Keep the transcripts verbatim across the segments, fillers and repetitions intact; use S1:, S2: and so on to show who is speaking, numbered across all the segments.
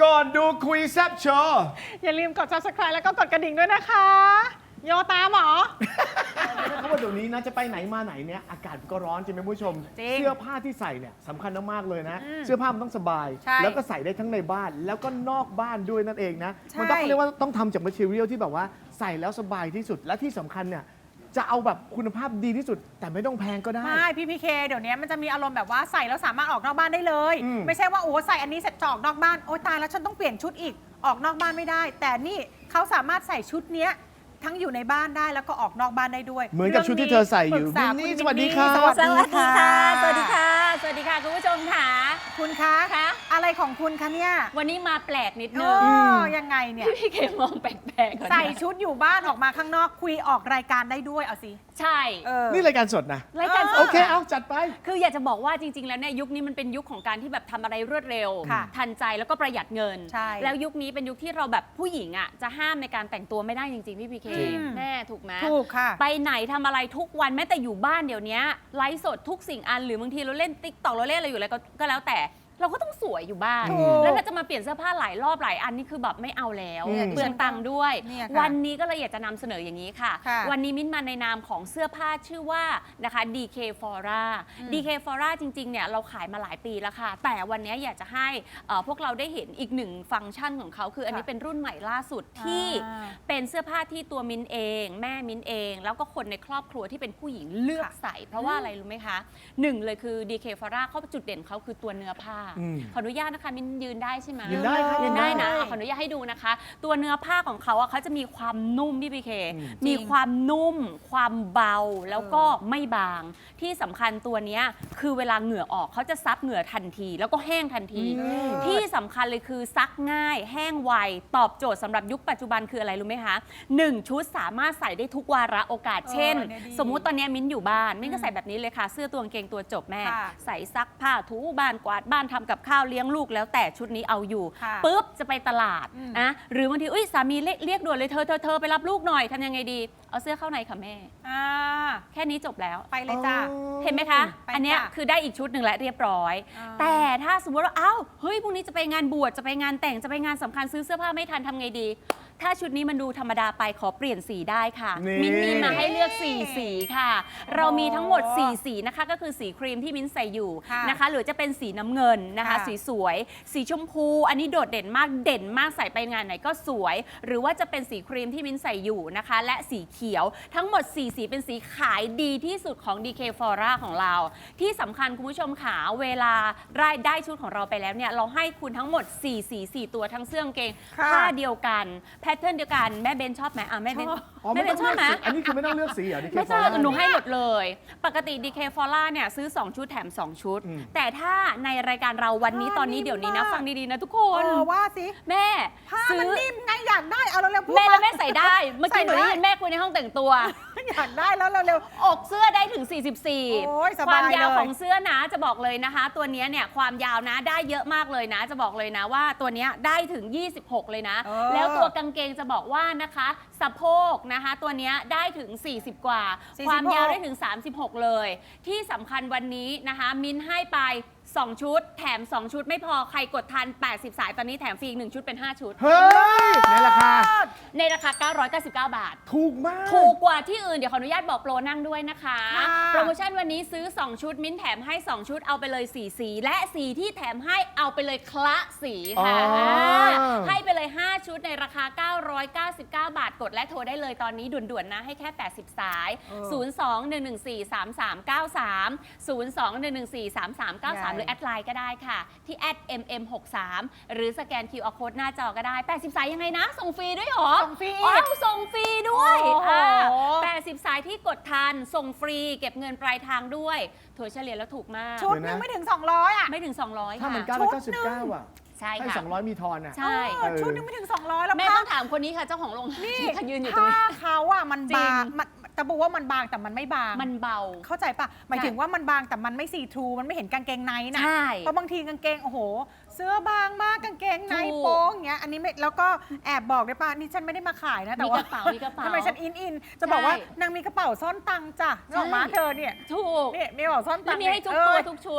S1: ก่อนดูคุยแซบโชว์
S2: อย่าลืมกด ซับสไครบ์ แล้วก็กดกระดิ่งด้วยนะคะ โยตามหรอ
S1: เขาบอกเดี๋ยวนี้นะจะไปไหนมาไหนเนี่ยอากาศก็ร้อนจริงไหมผู้ชม เสื้อผ้าที่ใส่เนี่ยสำคัญมากๆเลยนะ เสื้อผ้ามันต้องสบาย แล้วก็ใส่ได้ทั้งในบ้านแล้วก็นอกบ้านด้วยนั่นเองนะมันต้องเรียกว่าต้องทำจาก material ที่แบบว่าใส่แล้วสบายที่สุดและที่สำคัญเนี่ยจะเอาแบบคุณภาพดีที่สุดแต่ไม่ต้องแพงก็ได้
S2: ไม่พี่พีเคเดี๋ยวนี้มันจะมีอารมณ์แบบว่าใส่แล้วสามารถออกนอกบ้านได้เลย
S1: อืม
S2: ไม่ใช่ว่าโอ้ใส่อันนี้เสร็จจะออกนอกบ้านโอ๊ยตายแล้วฉันต้องเปลี่ยนชุดอีกออกนอกบ้านไม่ได้ แต่นี่เขาสามารถใส่ชุดเนี้ยทั้งอยู่ในบ้านได้แล้วก็ออกนอกบ้านได้ด้วย
S1: เหมือนกับชุดที่เธอใส่อยู่
S2: ปรึกษา
S1: นี่
S2: คุณ
S1: สวัสดีค่ะ
S2: สวัส
S3: ส
S2: ดี
S3: วัสดี
S2: ค่ะ
S3: ค่ะ สวัสดีค่ะ สวัสดีค่ะคุณผู้ชมค่ะ
S2: คุณคะ
S3: คะ
S2: อะไรของคุณคะเนี่ย
S3: วันนี้มาแปลกนิด
S2: เอ
S3: นึง
S2: อยังไงเนี่ย
S3: พี่เคมองแปลกๆก่อนนะ
S2: ใส่ชุดอยู่บ้านออกมาข้างนอกคุยออกรายการได้ด้วยเอาสิ
S3: ใช่
S2: เออ
S1: นี่รายการสดนะ
S3: รายการส
S1: โอ
S3: ด
S1: เคเอาจัดไป
S3: คืออยากจะบอกว่าจริง ๆ แล้วเนี่ยยุคนี้มันเป็นยุคของการที่แบบทำอะไรรวดเร็ว
S2: ค่ะ
S3: ทันใจแล้วก็ประหยัดเงิน
S2: ใช่
S3: แล้วยุคนี้เป็นยุคที่เราแบบผู้หญิงอ่ะจะห้ามในการแต่งตัวไม่ได้จริงๆพี่พีเค
S1: จริง
S3: แม่ถูกไหม
S2: ถูกค่ะ
S3: ไปไหนทำอะไรทุกวันแม้แต่อยู่บ้านเดี๋ยวนี้ไลฟ์สดทุกสิ่งอันหรือบางทีเราเล่นติ๊กต็อกเราเล่นอะไรอยู่แล้วก็ก็แล้วแต่เราก็ต้องสวยอยู่บ้าน
S2: ถูก
S3: แล้วเราจะมาเปลี่ยนเสื้อผ้าหลายรอบหลายอันนี่คือแบบไม่เอาแล้ว
S1: อืม
S3: เปลืองตังค์ด้วย
S2: เนี่ยค่ะ
S3: วันนี้ก็เลยอยากจะนำเสนออย่างนี้ค่ะ
S2: ค่ะ
S3: วันนี้มิ้นมาในนามของเสื้อผ้าชื่อว่านะคะ ดี เค Fora ดี เค Fora จริงๆเนี่ยเราขายมาหลายปีแล้วค่ะ แต่วันนี้อยากจะให้เอ่อพวกเราได้เห็นอีกหนึ่งฟังก์ชันของเขาคืออันนี้เป็นรุ่นใหม่ล่าสุดที่
S2: อ่า
S3: เป็นเสื้อผ้าที่ตัวมิ้นเอง แม่มิ้นเอง แล้วก็คนในครอบครัวที่เป็นผู้หญิงเลือก
S2: ค่ะ
S3: ใส่ เพราะว่าอะไรรู้ไหมคะหนึ่งเลยคือ ดี เค Fora เขาจุดเด่นเขาคือตัวเนื้อผ้า
S1: อืม
S3: ขออนุญาตนะคะมิ้นยืนได้ใช่ไหม
S1: ยืนได้ครับ
S3: ยืนได้นะ
S2: ยืนได้
S3: ขออนุญาตให้ดูนะคะ ตัวเนื้อผ้าของเขาอะเขาจะมีความนุ่มพี่พีเค
S1: อืม
S3: มีความนุ่ม ความเบาแล้วก็
S2: เออ
S3: ไม่บาง ที่สำคัญตัวเนี้ยคือเวลาเหงื่อออกเขาจะซับเหงื่อทันที แล้วก็แห้งทันที
S1: อืม
S3: ที่สำคัญเลยคือซักง่าย แห้งไว ตอบโจทย์สำหรับยุคปัจจุบันคืออะไรรู้ไหมคะหนึ่งชุดสามารถใส่ได้ทุกวาระโอกาส เช่น
S2: เนี่ยดี
S3: สมมุติตอนเนี้ยมิ้นอยู่บ้านมิ้นก็ใส่แบบนี้เลยค่ะ เสื้อตัวกางเกงตัวจบแม่
S2: ค่ะ
S3: ใส่ซักผ้าถูบ้านกวาดบ้านทำกับข้าวเลี้ยงลูกแล้วแต่ชุดนี้เอาอยู่
S2: ค่ะ
S3: ปุ๊บจะไปตลาด
S2: อืม
S3: นะหรือบางทีอุ้ยสามีเรียกเรียกด่วนเลยเธอเธอเธอไปรับลูกหน่อยทำยังไงดี เอาเสื้อเข้าในค่ะแม่
S2: อ่า
S3: แค่นี้จบแล้ว
S2: ไปเลยจ้า
S3: เห็นไหมคะ
S2: ไป
S3: อันเนี้ย
S2: จ้ะ
S3: คือได้อีกชุดหนึ่งและเรียบร้อย
S2: อ่า
S3: แต่ถ้าสมมติว่าเอ้าเฮ้ยพรุ่งนี้จะไปงานบวชจะไปงานแต่งจะไปงานสำคัญซื้อเสื้อผ้าไม่ทันทำไงดี ถ้าชุดนี้มันดูธรรมดาไปขอเปลี่ยนสีได้ค่ะ
S1: นี่
S3: มิ้นมีมาให้เลือกสี่สีค่ะ เรามีทั้งหมดสี่สีนะคะก็คือสีครีมที่มิ้นใส่อยู่
S2: ค่ะ
S3: นะคะ หรือจะเป็นสีน้ำเงินนะคะ
S2: ค่ะ
S3: สีสวย สีชมพู อันนี้โดดเด่นมากเด่นมากใส่ไปงานไหนก็สวย หรือว่าจะเป็นสีครีมที่มิ้นใส่อยู่นะคะ และสีเขียวทั้งหมดสี่สีเป็นสีขายดีที่สุดของ ดี เค Fora ของเรา ที่สำคัญคุณผู้ชมขาเวลาได้ได้ชุดของเราไปแล้วเนี่ยเราให้คุณทั้งหมดสี่สีสี่ตัวทั้งเสื้อกางเกง
S2: ค่ะ
S3: ผ้าเดียวกันแพทเทิร์นเดียวกันแม่เบนชอบไหมอ่ะแม่เบน
S2: ชอบ
S1: อ๋อ
S3: แม่
S1: ไม่
S3: เบ
S1: ต้อน ง
S3: ช
S1: เลื
S3: อ
S1: อบ ก
S3: ไหม
S1: สีอันนี้คือไม่ต้องเลือกสีเหรอ ดี เค
S3: ไม่ใช่
S1: Fora
S3: หนูให้หมดเลย ปกติ ดี เค Fora เนี่ยซื้อสองชุดแถมสองชุด
S1: อืม
S3: แต่ถ้าในรายการเราวันนี้
S2: ผ้า
S3: ตอนนี้
S2: นิ่ม
S3: เดี๋ยวนี้นะ
S2: มาก
S3: ฟังดีๆนะทุกค
S2: เอน อว่าสิ
S3: แม่
S2: ผ้า
S3: ซื้
S2: มัน
S3: อ
S2: นิ่มไงอยากได้เอาเร็วๆพูด
S3: แม่แล้ว
S2: มา
S3: แม่ใส่ได้ เมื่อกี้หนู
S2: ใส่ได้
S3: ได้ยินแม่คุยในห้องแต่งตัว
S2: อยากได้แล้วเร็ว
S3: อกเสื้อได้ถึง สี่สิบสี่
S2: โอ้ยส
S3: ค
S2: บาย
S3: วามยาว
S2: เลย
S3: ของเสื้อนะจะบอกเลยนะคะ ตัวเนี้ยเนี่ยความยาวนะได้เยอะมากเลยนะ จะบอกเลยนะว่าตัวเนี้ยได้ถึง ยี่สิบหก เลยนะ
S2: เออ
S3: แล้วตัวกางเกงจะบอกว่านะคะสะโพกนะคะ ตัวเนี้ยได้ถึง สี่สิบ กว่า
S2: สี่สิบหก
S3: ความยาวได้ถึง สามสิบหก เลย ที่สำคัญวันนี้นะคะ มิ้นให้ไป สอง ชุด แถม สอง ชุดไม่พอใครกดทัน แปดสิบ สายตอนนี้แถมฟรีอีกหนึ่งชุดเป็น ห้า ชุด
S1: เฮ้ย ในราคา
S3: ในราคา เก้าร้อยเก้าสิบเก้า บาท
S1: ถูกมาก
S3: ถูกกว่าที่อื่น เดี๋ยวขออนุญาตบอกโปรนั่งด้วยนะคะ
S2: ค่ะ
S3: โปรโมชั่นวันนี้ซื้อ สอง ชุด มิ้นแถมให้ สอง ชุดเอาไปเลย สี่ สี และสีที่แถมให้เอาไปเลยคละสีค่ะ
S1: อ๋ออ่
S3: าให้ไปเลย ห้า ชุดในราคา เก้าร้อยเก้าสิบเก้า บาทกดและโทรได้เลยตอนนี้ด่วนๆนะให้แค่ แปดสิบ สาย
S2: เออ
S3: ศูนย์ สอง หนึ่ง หนึ่ง สี่ สาม สาม เก้า สาม ศูนย์ สอง หนึ่ง หนึ่ง สี่ สาม สาม เก้า สาม
S2: ใหญ่
S3: หรือแอดไลน์ก็ได้ค่ะ ที่แอด เอ็ม เอ็ม หกสาม หรือสแกน คิว อาร์ Code หน้าจอก็ได้ แปดสิบ สายยังไงนะ ส่งฟรีด้วยเหรอ
S2: ส่งฟรี
S3: อ้าวส่งฟรีด้วย
S2: โอ้โห
S3: อ่าแปดสิบ สายที่กดทัน ส่งฟรีเก็บเงินปลายทางด้วยถั่วเฉลี่ยแล้วถูกมาก
S2: ชุด
S1: เดี๋
S2: นึ
S1: ยวนะ
S2: งไม่ถึง สองร้อย อ่ะ
S3: ไม่ถึง สองร้อย
S1: ถ้า
S3: ค่ะ
S1: มันเก้าร้อยเก้าสิบเก้าอ่ะ
S3: ใช่
S1: ให้
S3: ค่ะ
S1: สองร้อยมีทอนอ่ะ
S3: ใช่
S2: เออชุดนึงไม่ถึง สองร้อย แล้ว
S3: แม่
S2: ผ้า
S3: ต้องถามคนนี้ค่ะเจ้าของโรงงาน
S2: นี่
S3: ที่เขายืนอยู่ตรง
S2: ผ้า
S3: นี้
S2: เขาอ่ะมัน
S3: จริง
S2: บางมันแต่บอกว่ามันบางแต่มันไม่บาง
S3: มันเบา
S2: เข้าใจปะหมายถึงว่ามันบางแต่มันไม่ซีทรูมันไม่เห็นกางเกงในนะ
S3: ใช่
S2: เพราะบางทีกางเกงโอ้โห เสื้อบางมากกางเกงใน
S3: ถูก
S2: โป้งอย่างเงี้ยอันนี้ไม่แล้วก็แอบบอกได้ปะนี่ฉันไม่ได้มาขายนะแต่
S3: มี
S2: ว่าก
S3: ระเป๋ามีกระเป๋า
S2: ทำไมฉันอินอินจะบอกว่า
S3: ใช่
S2: นางมีกระเป๋าซ่อนตังค์จ้ะนึกออกมา
S3: ใช่
S2: เธอเนี่ย
S3: ถูก
S2: นี่มีกระเป๋าซ่อนตั
S3: แล้
S2: ง
S3: ว
S2: ค์
S3: มีให้ทุก
S2: เอ
S3: ตัว
S2: อ
S3: ทุกชุด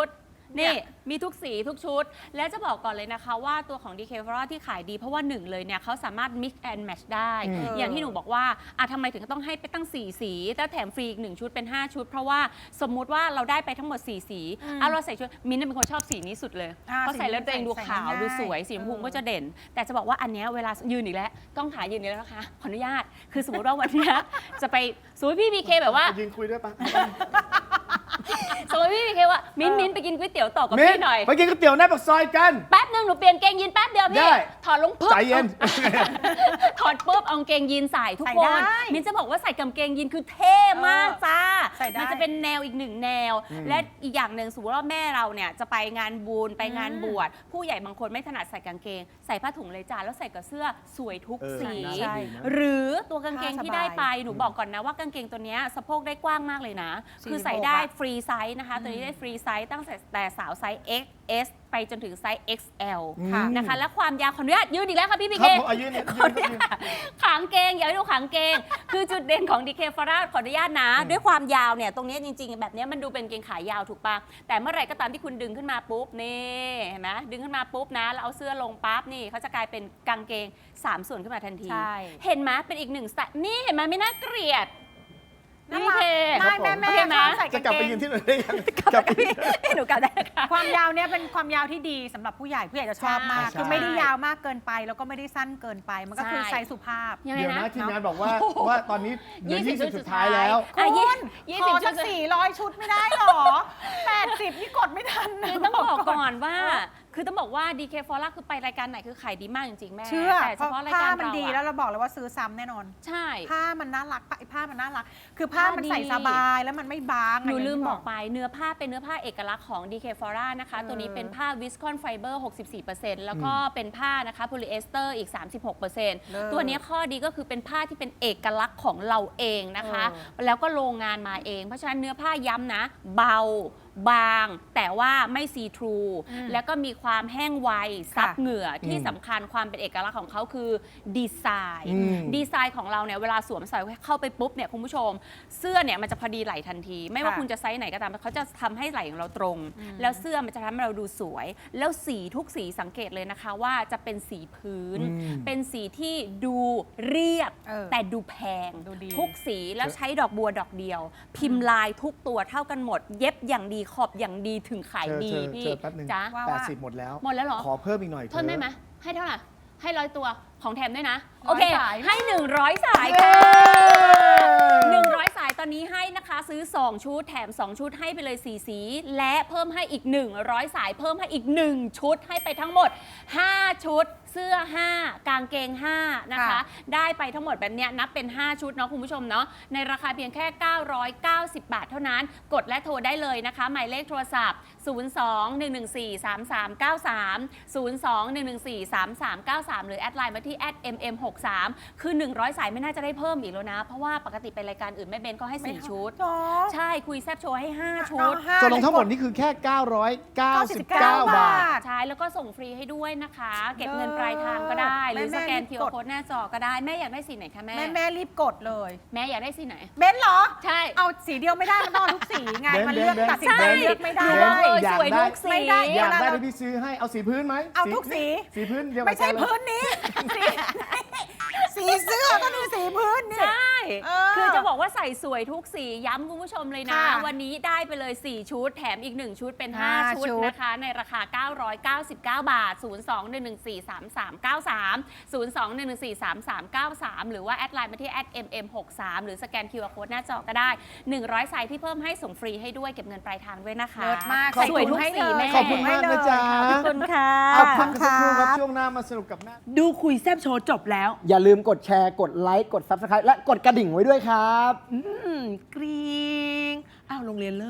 S3: นี่มีทุกสีทุกชุด และจะบอกก่อนเลยนะคะว่าตัวของ ดี เค Flora ที่ขายดีเพราะว่าหนึ่งเลยเนี่ยเขาสามารถ mix and match ได้
S1: อืม
S3: อย่างที่หนูบอกว่าอ่ะทำไมถึงต้องให้ไปตั้งสี่สีแล้วแถมฟรีอีกหนึ่งชุดเป็นห้าชุด เพราะว่าสมมุติว่าเราได้ไปทั้งหมดสี่สีอ่ะเราใส่ชุดมิ้นท์เป็นคนชอบสีนี้สุดเลย
S2: อ่า
S3: เพราะใส่แล้วตัวเองดู
S2: ใส่
S3: ขาว
S2: ง่าย
S3: ดูสวยสีชมพู
S2: เออ
S3: ก็จะเด่น แต่จะบอกว่าอันเนี้ยเวลายืนอีกแล้วกล้องขายืนอีกแล้วนะคะขออนุญาตคือสมมติว่าวันเนี้ยจะไปสมมติพี่พีเคแบบว่า
S1: ยืนคุยด้วยปะ
S3: สมมติพี่พีเคว่ามิ้นท์มิ้นท์ไปกินก๋วยเตี๋ยวต่อกับ
S1: มิ้น
S3: พี่หน่อย
S1: ไปกินก๋วยเตี๋ยวหน้าปากซอยกัน
S3: แป๊บนึงหนูเปลี่ยนเกงยีนแป๊บเดียว
S1: ได้
S3: พี่ถอดลงปุ๊บ
S1: ใจเย็น
S3: ถอดปุ๊บเอากางเกงยีนใส่ทุก
S2: ใส่
S3: ค
S2: ได้
S3: นมิ้นจะบอกว่าใส่กางเกงยีนคือเท่มากจ้า
S2: ใส่ได้
S3: มัจะเป็นแนวอีกหนึ่งแนว
S1: อืม
S3: และอีกอย่างหนึ่งสมมติว่าแม่เราเนี่ยจะไปงานบุญไปงานบวชผู้ใหญ่บางคนไม่ถนัดใส่กางเกง ใส่ผ้าถุงเลยจ้าแล้วใส่กับเสื้อสวยทุก
S1: เออ
S3: สี
S1: น่า
S2: ใช่
S1: ดีนะ
S3: หรือตัวกางเกงที่ได้ไป
S2: ผ้าสบาย
S3: หนูบอกก่อนนะว่ากางเกงตัวเนี้ยสะโพกได้กว้างมากเลยนะ
S2: สี่สิบหก
S3: คือใส่ได้
S2: อะ
S3: ฟรีไซส์นะคะ ตัวนี้ได้ฟรีไซส์ตั้งแต่แต่สาวไซส์ เอ็กซ์ เอส ไปจนถึงไซส์ เอ็กซ์ แอล
S2: ค่ะ
S3: นะคะและความยาวขออนุญาตยืนอีกแล้วค่ะพี่พี
S1: ค
S3: เครับ
S1: ผมอายุเนี่ย
S3: ข
S1: ยื
S3: อน อนุ
S1: ยื
S3: ญาน ตขางเกงอย่าให้ดูขางเกง คือจุดเด่นของ ดี เค Flora ขออนุญาตนะ ด้วยความยาวเนี่ยตรงเนี้ยจริงๆ แบบเนี้ยมันดูเป็นเกงขายาวถูกปะแต่เมื่อไหร่ก็ตามที่คุณดึงขึ้นมาปุ๊บนี่เห็นไหมดึงขึ้นมาปุ๊บนะแล้วเอาเสื้อลงปั๊บนี่เขาจะกลายเป็นกางเกงสามส่วนขึ้นมาทันที
S2: ใช่
S3: เห็นไหมเป็นอีกหนึ่งสไตล์นี่เห็นไหมไม่น่าเกลียด
S2: น่า
S3: พี่
S2: รัก
S3: เค
S2: ไม่แม่แม่
S3: โอเคไหม
S2: ชอบใส่
S1: จะ
S2: กาง
S1: กลับ
S2: เก
S1: ไป
S2: ง
S1: ยืนที่ไหนได้ยังกลับไปยืน
S3: หนูกลับได้ค่ะ
S2: ความยาวเนี่ยเป็นความยาวที่ดีสำหรับผู้ใหญ่ผู้ใหญ่จะชอบมาก
S1: ใช่
S2: คือไม่ได้ยาวมากเกินไป แล้วก็ไม่ได้สั้นเกินไป มันก็คือ
S3: ใช่
S2: ไซส์สุภาพ
S3: ยังไง
S1: เดี๋ยว
S3: นะ
S1: นะทีมงานบอกว่าว่าตอนนี้เหลือ
S3: ยี่สิบ
S1: ยี่สิบสุดท้ายแล้ว
S3: อ่ะ
S2: คุณ
S3: ยี่
S2: ข
S3: สิบ
S2: อ
S3: ชุ
S2: สั
S3: ด
S2: กสี่ร้อยชุดไม่ได้หรอ แปดสิบนี่กดไม่ทันนะ
S3: คือต้องบอกก่อนว่า คือต้องบอกว่า ดี เค Flora คือไปรายการไหนคือขายดีมากจริงๆแม่
S2: เชื่อ
S3: แต่
S2: เพ
S3: เฉ
S2: ราะ
S3: พาะราย
S2: ผ้า
S3: การ
S2: มัน
S3: เรา
S2: ดี
S3: อะ
S2: แล้วเราบอกเลยว่าซื้อซ้ำแน่นอน
S3: ใช่
S2: ผ้ามันน่ารักผ้ามันน่ารัก คือผ้า
S3: ผ้า
S2: มันใส่
S3: ดี
S2: สบายแล้วมันไม่บาง
S3: หนู
S2: ะ
S3: ลืม
S2: ย่างที่
S3: บอกไปเนื้อผ้าเป็นเนื้อผ้าเอกลักษณ์ของ ดี เค Flora นะคะ
S2: เออ
S3: ตัวนี้เป็นผ้าวิสคอนไฟเบอร์ หกสิบสี่เปอร์เซ็นต์ แล้วก็เป็นผ้านะคะโพลีเอสเตอร์อีก สามสิบหกเปอร์เซ็นต์
S2: เลิศ
S3: ตัวนี้ข้อดีก็คือเป็นผ้าที่เป็นเอกลักษณ์ของเราเองนะคะ
S2: เออ
S3: แล้วก็โรงงานมาเอง เพราะฉะนั้นเนื้อผ้าย้ำนะ เบา บาง แต่ว่าไม่ซีทรู
S2: อืม
S3: แล้วก็มีความแห้งไวซับ
S2: ค่ะ
S3: เหงื่อที่
S1: อืม
S3: สำคัญความเป็นเอกลักษณ์ของเขาคือดีไซน์
S1: อืม
S3: ดีไซน์ของเราเนี่ยเวลาสวมใส่เข้าไปปุ๊บเนี่ยคุณผู้ชม เสื้อเนี่ยมันจะพอดีไหล่ทันที ไม่ว่า
S2: ค่ะ
S3: คุณจะไซส์ไหนก็ตามเขาจะทำให้ไหล่ของเราตรง
S2: อืม
S3: แล้วเสื้อมันจะทำให้เราดูสวย แล้วสีทุกสีสังเกตเลยนะคะว่าจะเป็นสีพื้น
S1: อืม
S3: เป็นสีที่ดูเรียบ
S2: เออ
S3: แต่ดูแพง
S2: ดูดี
S3: ทุกสีแล้วใช้ดอกบัวดอกเดียว พิมพ์ลายทุกตัวเท่ากันหมด เย็บอย่างดีขอบอย่างดีถึงขาย
S1: เจอ
S3: ดี
S1: เจอ
S3: พี่
S1: เจอแป๊บหนึง
S3: จ้า
S2: ว่า
S1: แปดสิบหมดแล้ว
S3: หมดแล้วเหรอ
S1: ขอเพิ่มอีกหน่อยเถ
S3: ทนได้
S1: อะ
S3: ไหมให้เท่าไหร่ให้ร้อยตัวของแถมด้วยนะ
S2: ร้
S3: โอ
S2: อย
S3: เค
S2: สาย
S3: ให้หนึ่งร้อยสาย
S1: เย้
S3: ค่ะหนึ่งร้อยสายตอนนี้ให้นะคะ ซื้อ สอง ชุดแถม สอง ชุดให้ไปเลย สี่ สี และเพิ่มให้อีก หนึ่งร้อยสายเพิ่มให้อีก หนึ่ง ชุดให้ไปทั้งหมด ห้า ชุด เสื้อ ห้า กางเกง ห้า นะคะ
S2: ค่ะ
S3: ได้ไปทั้งหมดแบบเนี้ยนับเป็น ห้า ชุดเนาะคุณผู้ชมเนาะในราคาเพียงแค่ เก้าร้อยเก้าสิบ บาทเท่านั้น กดและโทรได้เลยนะคะ หมายเลขโทรศัพท์ ศูนย์ สอง หนึ่ง หนึ่ง สี่ สาม สาม เก้า สาม ศูนย์ สอง หนึ่ง หนึ่ง สี่ สาม สาม เก้า สาม หรือแอดไลน์มาที่ แอท เอ็ม เอ็ม หก สาม คือ หนึ่งร้อย สายไม่น่าจะได้เพิ่มอีกแล้วนะ เพราะว่าปกติไปรายการอื่นแม่เบนก็ให้ สี่ ชุด
S2: จอ
S3: ใช่คุยแซบโชว์ให้ ห้า ชุด
S2: เอาห้า
S1: ตกลงทั้งหมดนี่คือแค่ เก้าร้อยเก้าสิบเก้า บาท
S3: ใช่แล้วก็ส่งฟรีให้ด้วยนะคะ เก็บเงินปลายทางก็ได้ หรือ
S2: แม่
S3: สแกน
S2: แม่
S3: คิว
S2: ก
S3: อา
S2: ด
S3: ร์ Code หน้าจอก็ได้ แม่อยากได้สีไหนคะแม่
S2: แม่แม่รีบกดเลย
S3: แม่อยากได้สีไหน
S2: เบนซ์เหรอ
S3: ใช่
S2: เอาสีเดียวไม่ได้มันต้องเอาทุกสีไง
S1: เบนซ์
S2: มันเลือก
S1: เบนซ์
S2: ตัดสินใจ
S1: ใช่
S2: เลือกไม่ได้
S3: หนู
S1: เบ
S3: บอน ก
S1: ซ์
S3: เลย
S1: อยาก
S3: สวย
S1: ได้
S3: ทุกสี
S2: ไม่ได้
S1: อยากได้
S2: เวลาเรา
S1: ที่พี่ซื้อให้เอาสีพื้นไหม
S2: เอาทุกสี
S1: สีพื้นเดียวกับ
S2: ไม่ใช่
S1: แกเลย
S2: พื้นนี้ สีสีเสื้อก็มีสีพื้นนี่
S3: ใช่
S2: เออ
S3: คือจะบอกว่าใส่สวยทุกสีย้ำคุณผู้ชมเลยนะ
S2: ค่ะ
S3: วันนี้ได้ไปเลย สี่ ชุด แถมอีก หนึ่ง ชุดเป็น
S2: ห้า
S3: ห้า ชุด
S2: ชุด
S3: นะคะ ในราคา เก้าร้อยเก้าสิบเก้า บาท ศูนย์ สอง หนึ่ง หนึ่ง สี่ สาม สาม เก้า สาม ศูนย์ สอง หนึ่ง หนึ่ง สี่ สาม สาม เก้า สาม หรือว่าแอดไลน์มาที่ แอท เอ็ม เอ็ม หก สาม หรือสแกน คิว อาร์ Code หน้าจอก็ได้ หนึ่งร้อย สายที่เพิ่มให้ส่งฟรีให้ด้วยเก็บเงินปลายทางด้วยนะคะ
S2: เลิศมาก
S3: สวยทุกสีแม่
S1: ขอบคุณมากนะจ๊ะ
S3: ขอบคุณค่ะ
S1: เอาพักกันสักครู่ครับช่วงหน้ามาสนุกกับแม่
S4: ดูคุยแซบโชว์จบแล้ว
S5: อย่าลืมกดแชร์ กดไลค์ กด ซับสไครบ์ และกดกระดิ่งไว้ด้วยครับ
S4: อืมกรี๊งอ้าวโรงเรียนเลิก